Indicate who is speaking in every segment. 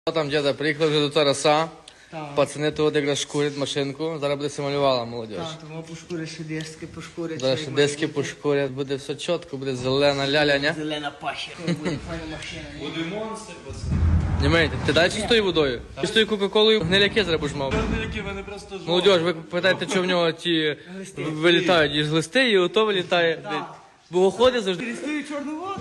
Speaker 1: Там діда приїхали вже до Тараса.
Speaker 2: Так.
Speaker 1: Пацани тут якраз шкурять машинку. Зараз буде малювала молодь.
Speaker 2: Так, тому пошкуриш ще диски, пошкуриш.
Speaker 1: Зараз ще диски пошкурять, буде все чітко, буде зелена ляля, ня?
Speaker 2: Зелена паща. Буде файна машина.
Speaker 3: Буде монстр, пацани.
Speaker 1: Німейте, ти дай чистою водою? Чистою кока-колою гниляки зараз будеш мав.
Speaker 3: Які вони просто жовті.
Speaker 1: Молодь, ви питаєте, що в нього ті вилітають із глисти, і ото вилітає.
Speaker 2: Так.
Speaker 1: Бо ходить завжди.
Speaker 2: Перестаю чорну воду.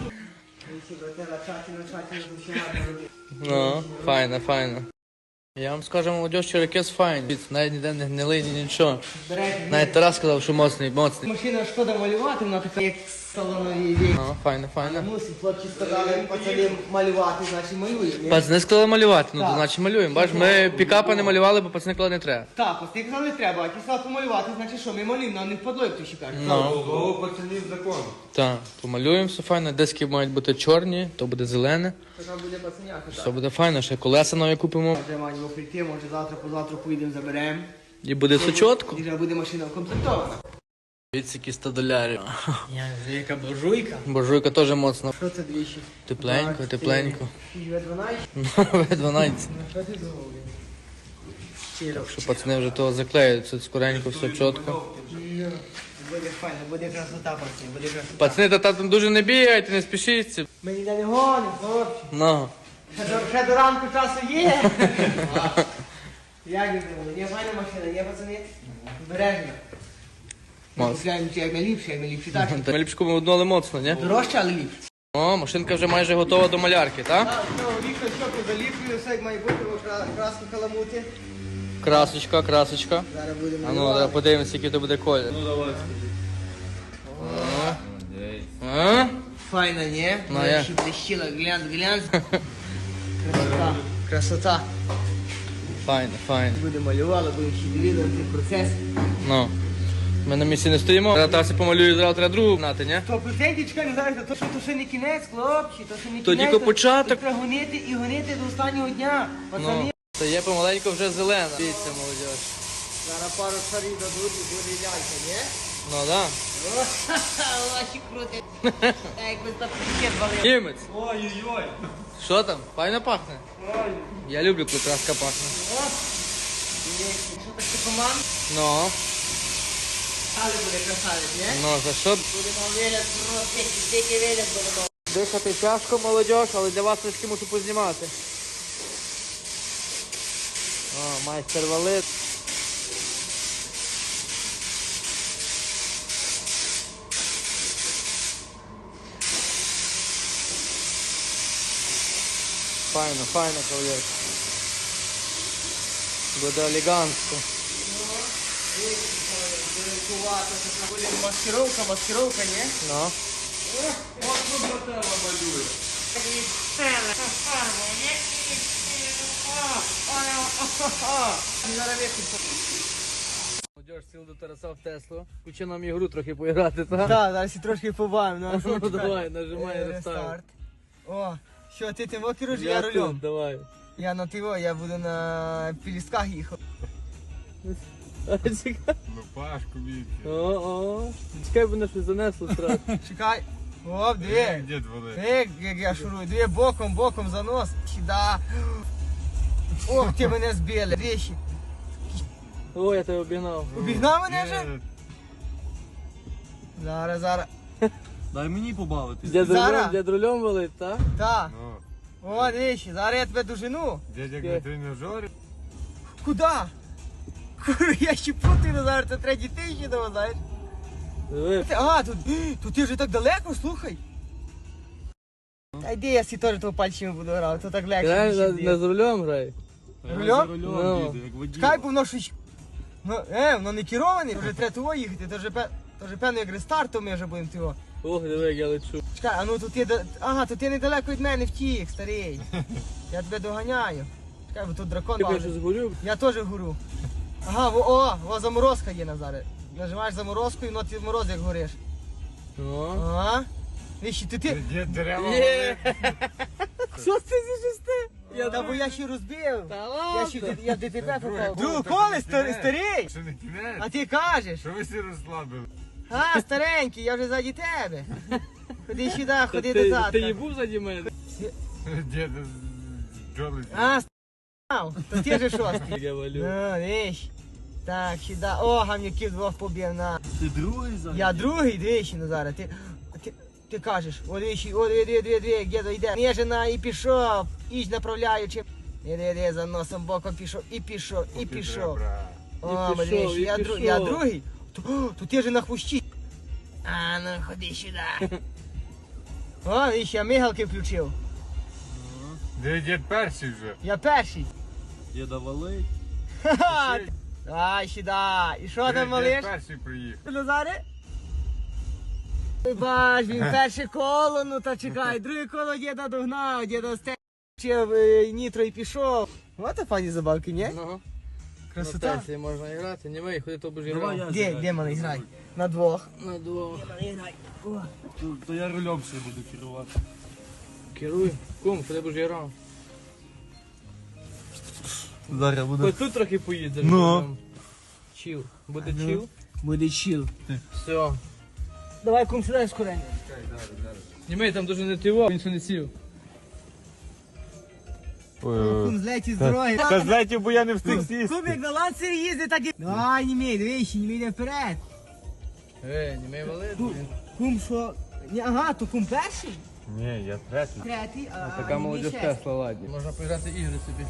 Speaker 1: Ну, файно, файно. Я вам скажу, молодь, що ракес файний. Навіть ніде не гнилий, ні нічого. Навіть Тарас сказав, що моцний, моцний.
Speaker 2: Машина шкода малювати, вона така як салонові вік.
Speaker 1: Ну, файно, файно.
Speaker 2: Мусить, хлопці сказали пацанам малювати, значить малюємо.
Speaker 1: Пацани сказали малювати, ну то
Speaker 2: Так.
Speaker 1: значить малюємо. Бачиш, ми пікапа не малювали, бо пацани сказали не треба.
Speaker 2: Так, пацани казали не треба, а ті сказали помалювати, значить що, ми малюємо, нам не впадло, як то ще каже.
Speaker 1: Ну,
Speaker 3: Голову пацанів закон.
Speaker 1: так, помалюємо все файно. Диски мають бути чорні, то буде зелене.
Speaker 2: То там буде пацаняка,
Speaker 1: Все
Speaker 2: так.
Speaker 1: буде файно, ще колеса нові купимо.
Speaker 2: Вже маємо прийти, може завтра, позавтра поїдемо, заберемо.
Speaker 1: І буде все чітко.
Speaker 2: І вже буде машина укомплектована.
Speaker 1: Дивіться, які 100 долярів.
Speaker 2: Яка буржуйка.
Speaker 1: Буржуйка теж моцно.
Speaker 2: Що це двічі?
Speaker 1: Тепленько, тепленько.
Speaker 2: В12?
Speaker 1: В12.
Speaker 2: Що ти зробив? Щиро.
Speaker 1: Що пацани вже того заклеють, це скоренько, все чітко.
Speaker 2: Буде файно, буде красота, пацани, буде красота.
Speaker 1: Пацани, та там дуже не бігайте, не спішіться.
Speaker 2: Ми ніде не гонимо, хлопці.
Speaker 1: Ну.
Speaker 2: Ще до ранку часу є. Як ви думали? Є файна машина, є, пацани? Бережно.
Speaker 1: Моцно.
Speaker 2: Купляємо як найліпше, так?
Speaker 1: Ми ліпше купимо одну, але моцно, ні?
Speaker 2: Дорожче, але ліпше.
Speaker 1: О, машинка вже майже готова до малярки, так?
Speaker 2: Так, вікна, щоки заліплюю, все як має бути, краски каламути.
Speaker 1: Красочка, красочка.
Speaker 2: Зараз будемо
Speaker 1: А ну,
Speaker 2: малювати.
Speaker 1: зараз подивимося, який то буде колір.
Speaker 3: Ну давай,
Speaker 1: А?
Speaker 2: Файна, ні?
Speaker 1: Ну,
Speaker 2: Вона
Speaker 1: я.
Speaker 2: ще блищила, глянь. Красота. Красота.
Speaker 1: Файно, файно.
Speaker 2: Будемо малювати, будемо ще дивитися процес.
Speaker 1: Ну. Ми на місці не стоїмо. Зараз Тарасі помалюю, зараз треба другу гнати, ні?
Speaker 2: 100% чекай, не знаєте, то ще не кінець, хлопці, то ще не кінець.
Speaker 1: То тільки початок.
Speaker 2: То треба гонити і гонити до останнього дня. Пацани,
Speaker 1: Ну. Та є помаленьку вже зелена. Дивіться, молодь.
Speaker 2: зараз пару шарів дадуть і буде лялька, ні?
Speaker 1: Ну, так.
Speaker 2: Ваші крути. Так, якби за пакет валив.
Speaker 1: Німець.
Speaker 3: Ой-ой-ой.
Speaker 1: Що там? Файно пахне? Я люблю, коли краска пахне.
Speaker 2: Що так ти команд?
Speaker 1: Ну.
Speaker 2: Але буде красавець, ні?
Speaker 1: Ну, за що?
Speaker 2: Будемо вигляд, просто тільки вигляд будемо.
Speaker 1: Дихати тяжко, молодь, але для вас трішки мушу познімати. О, майстер валить. Файно, файно, кавалерка. Буде елегантно.
Speaker 2: Буде маскировка, ні?
Speaker 1: Ну.
Speaker 3: От що брателла малює.
Speaker 2: Зараз виключно.
Speaker 1: Молодь, сіл до Тараса в Теслу. Кучи нам ігру трохи поіграти, так?
Speaker 2: Так, зараз і трошки побавимо.
Speaker 1: Ну, давай, нажимай рестарт.
Speaker 2: Рестарт. О, що, ти тим керуєш, я рулем.
Speaker 1: Давай.
Speaker 2: Я на тиво, я буду на пілісках їхав.
Speaker 1: Чекай.
Speaker 3: Ну Пашку бійте.
Speaker 1: О. Чекай, бо мене щось занесло сразу.
Speaker 2: Чекай. Оп, диви.
Speaker 3: Дід валить.
Speaker 2: Як я шурую, диви, боком занос. Сюда. Ох, ти мене збили. Двічі.
Speaker 1: О, я тебе обігнав.
Speaker 2: Обігнав мене вже? Зараз.
Speaker 3: Дай мені побавитись.
Speaker 2: Зараз.
Speaker 1: Дід рулем валить, так?
Speaker 2: Так.
Speaker 3: Ну,
Speaker 2: О, двічі, зараз я тебе дожену.
Speaker 3: дядь як на тренажері.
Speaker 2: Куда? Курва, я ще путаю, зараз це третій тиждень дома, знаєш.
Speaker 1: Диви.
Speaker 2: А, тут ти вже так далеко, слухай. Та йди, я всі теж того пальцями буду грати, то так легше.
Speaker 1: Реально
Speaker 2: ніж
Speaker 1: не з рулем грай.
Speaker 2: Рулем?
Speaker 3: За
Speaker 1: Ну.
Speaker 3: рулем діду, як водій.
Speaker 2: Чекай, бо воно щось... Ну, воно не кероване, вже треба того їхати, то вже певно як рестартом ми вже будемо того.
Speaker 1: Ох, диви, як я лечу.
Speaker 2: Чекай, а ну тут є... Ага, тут ти недалеко від мене втік, старий. Я тебе доганяю. Чекай, бо тут дракон
Speaker 1: Я
Speaker 2: важить.
Speaker 1: щось горю.
Speaker 2: Я теж горю. Ага, во заморозка є, Назаре. Нажимаєш заморозку і воно ти мороз як гориш.
Speaker 1: О.
Speaker 2: Ага. Віщі, ти...
Speaker 3: Дід дерева
Speaker 1: Є.
Speaker 3: валить.
Speaker 1: Що це зі шести?
Speaker 2: Та бо я ще розбив.
Speaker 1: Та
Speaker 2: Я ще
Speaker 1: ладно.
Speaker 2: я в ДТП попав.
Speaker 3: Друге
Speaker 2: Друг
Speaker 3: коло,
Speaker 2: коле, старий.
Speaker 3: Що не кінець?
Speaker 2: А ти кажеш?
Speaker 3: Що ви всі розслабили?
Speaker 2: А, старенький, я вже ззаді тебе. Ходи сюди, ходи
Speaker 1: Ти
Speaker 2: до
Speaker 1: її
Speaker 2: татка.
Speaker 1: був заді мене?
Speaker 3: Дід бджоли.
Speaker 2: А, став, то ти же шостий.
Speaker 1: Я валю.
Speaker 2: Ну, віж. Так, сюда. О, гамнюків двох побив на.
Speaker 4: Ти другий зараз?
Speaker 2: Я другий, двічі, Назаре. Ти кажеш, о, двічі, о, дві, дідо йде. Нежина і пішов, іч направляючи. Іди, за носом боком пішов, і пішов, і пішов. О,
Speaker 1: пішов,
Speaker 2: двічі,
Speaker 1: і
Speaker 2: я
Speaker 1: пішов.
Speaker 2: другий. То ти же на хвощі. А, ну, ходи сюди. О, віж, я мигалки включив.
Speaker 3: Де дід перший вже?
Speaker 2: Я перший.
Speaker 4: Діда валить.
Speaker 2: Ха-ха. Ай, сюди. І що там,
Speaker 3: Дід
Speaker 2: малиш?
Speaker 3: перший приїхав.
Speaker 2: Назаре? Ой, бач, він перше коло, ну та чекай, друге коло діда догнав, діда стечив нітро і пішов. Ось та пані забавки, ні?
Speaker 1: Ну,
Speaker 2: Красота.
Speaker 1: на тесі можна грати, не мий, ходи то будеш
Speaker 4: Давай
Speaker 1: грати.
Speaker 4: я
Speaker 2: Де малий грай? На двох.
Speaker 1: На двох.
Speaker 4: То я рулем ще буду керувати.
Speaker 1: Керуй. Кум, ходи будеш грати.
Speaker 4: Зараз
Speaker 1: Хоч тут трохи поїдеш.
Speaker 4: Ну.
Speaker 1: Чіл. Буде чіл?
Speaker 2: Буде чіл.
Speaker 1: Все.
Speaker 2: Давай, кум, сідай скоренько.
Speaker 1: Німей, там дуже не тиво, він ще не сів.
Speaker 2: Кум, злеті з дороги.
Speaker 3: Та знаєте, бо я не встиг сісти.
Speaker 2: Кум, як на ланцері їздить, так і... Давай, німей, дивись, німей йде вперед.
Speaker 1: Німей валить, він.
Speaker 2: Кум, що? Ні, ага, то кум перший?
Speaker 3: Ні, я третій.
Speaker 2: Третій, а
Speaker 1: Така
Speaker 2: німей
Speaker 1: молодь
Speaker 2: шестий.
Speaker 1: Тесла, ладні. Можна поіграти ігри собі.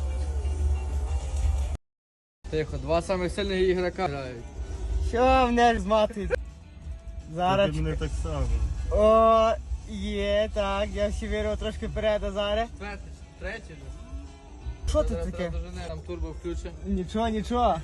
Speaker 1: Тихо, два самих сильних ігрока грають.
Speaker 2: Що мене ж зматують? Зараз.
Speaker 4: Ти мене так само.
Speaker 2: О, є, так, я ще вірю трошки вперед, а зараз.
Speaker 1: Третій же.
Speaker 2: Що тут таке?
Speaker 1: Там турбо включить.
Speaker 2: Нічого, нічого.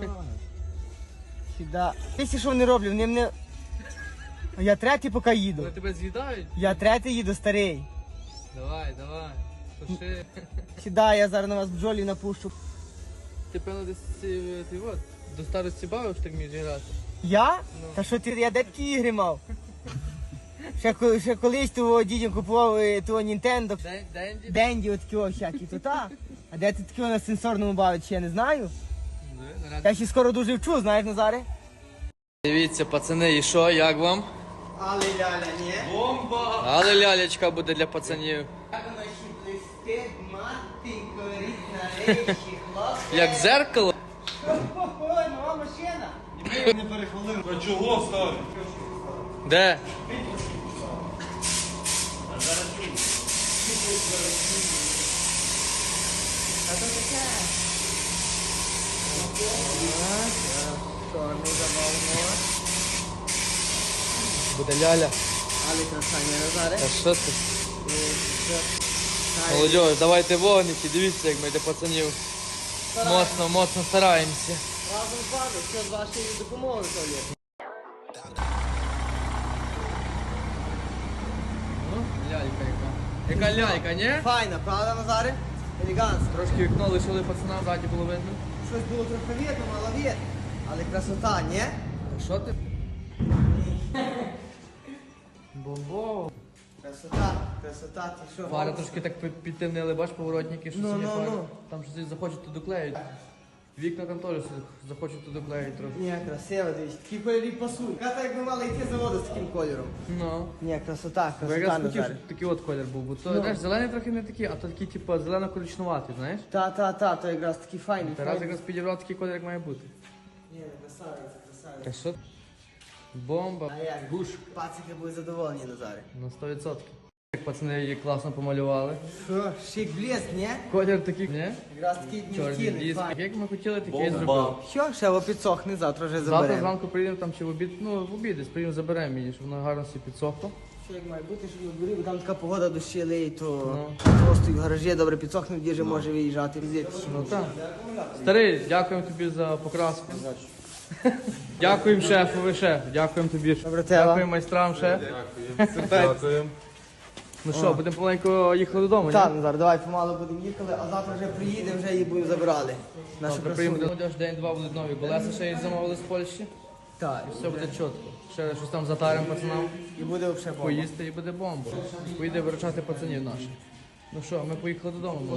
Speaker 2: Сюда. Ти що вони роблять? Вони мене... Я третій поки їду.
Speaker 1: Вони тебе з'їдають?
Speaker 2: Я третій їду, старий.
Speaker 1: Давай, давай. Туши.
Speaker 2: Сюда, я зараз на вас бджолі напущу.
Speaker 1: Ти певно десь ти от, до старості бавив, що так вмієш грати?
Speaker 2: Я?
Speaker 1: Ну.
Speaker 2: Та що ти, я де такі ігри мав? Ще колись того дідям купував того Nintendo.
Speaker 1: Денді?
Speaker 2: Денді отакі о всякі, то та. А де ти такі на сенсорному бавить, ще я не знаю. Я ще скоро дуже вчу, знаєш, Назаре?
Speaker 1: Дивіться, пацани, і що, як вам?
Speaker 2: Але ляля, ні?
Speaker 1: Але лялечка буде для пацанів.
Speaker 2: Як воно ще блистить, мати, горить на речі, хлопці.
Speaker 1: Як зеркало.
Speaker 2: Ой, нова машина.
Speaker 4: А чого став?
Speaker 1: Де?
Speaker 2: Чорний завал,
Speaker 1: Буде ляля.
Speaker 2: але красання, Назаре.
Speaker 1: А що ти? Молодь, давайте вогники, дивіться, як ми для пацанів. Моцно, моцно стараємося.
Speaker 2: Разом з вами, все з вашої допомоги, то є.
Speaker 1: Ну, лялька яка. Яка лялька, ні?
Speaker 2: Файна, правда, Назаре? Елегантно.
Speaker 1: Трошки вікно лишили пацанам, ззаді було видно.
Speaker 2: Щось було трохи видно, мало видно. Але красота, ні?
Speaker 1: Так що ти? Бомбо.
Speaker 2: Красота, красота, ти що?
Speaker 1: Фари трошки так підтемнили, бач, поворотники, що
Speaker 2: Ну,
Speaker 1: сині
Speaker 2: ну,
Speaker 1: фари.
Speaker 2: ну.
Speaker 1: Там щось захочуть туди клеїть. Вікна там теж захочуть туди клеїть трохи.
Speaker 2: Ні, красиво, дивись, такі кольорі пасують. Я так би мала йти з заводу з таким кольором.
Speaker 1: Ну.
Speaker 2: Ні, красота,
Speaker 1: Бо якраз
Speaker 2: красота,
Speaker 1: хотів,
Speaker 2: Назаре.
Speaker 1: щоб такий от колір був, бо то,
Speaker 2: Ну.
Speaker 1: знаєш, зелений трохи не такий, а то такий, типу, зелено-коричнуватий, знаєш?
Speaker 2: Та, то якраз такий файний.
Speaker 1: Тарас якраз підібрав такий колір, як має бути.
Speaker 2: Ні, красавиця, красавиця.
Speaker 1: Так що? Бомба.
Speaker 2: А як? Гуш. Пацики будуть задоволені, Назаре.
Speaker 1: На 100%. Як пацани її класно помалювали.
Speaker 2: Що, шик блеск, ні?
Speaker 1: Колір такий, ні?
Speaker 2: Якраз такий
Speaker 1: Чорний
Speaker 2: днівкіний,
Speaker 1: диск.
Speaker 2: файний.
Speaker 1: Як ми хотіли, такий і
Speaker 4: Бомба.
Speaker 1: зробив.
Speaker 2: Що, ще во підсохне, завтра вже
Speaker 1: Завтра
Speaker 2: заберемо.
Speaker 1: зранку приїдемо там чи в обід, ну в обід десь приїдемо, заберемо її, щоб вона гарно собі підсохла.
Speaker 2: Що як має бути, щоб на дворі, бо там така погода дощі лиє, то
Speaker 1: Ну.
Speaker 2: просто в гаражі добре підсохне, в діже може виїжджати.
Speaker 1: Ну так. Старий, дякуємо тобі за покраску. Дякуємо шефові, шеф. Дякуємо тобі.
Speaker 2: Добре, тебе.
Speaker 1: Дякуємо майстрам, шеф.
Speaker 3: Дякуємо.
Speaker 1: Ну що, будемо помаленьку їхати додому,
Speaker 2: Так,
Speaker 1: ні?
Speaker 2: Назар, давай помалу будемо їхали, а завтра вже приїдемо, вже її будемо забрали. Нашу
Speaker 1: Завтра приїдемо
Speaker 2: красуню.
Speaker 1: до молодіж, день-два будуть нові колеса, ще й замовили з Польщі.
Speaker 2: Так,
Speaker 1: І все буде чітко. Ще щось там затаримо пацанам,
Speaker 2: і буде взагалі бомба.
Speaker 1: поїсти і буде бомба. Поїде виручати пацанів наших. Ну що, ми поїхали додому.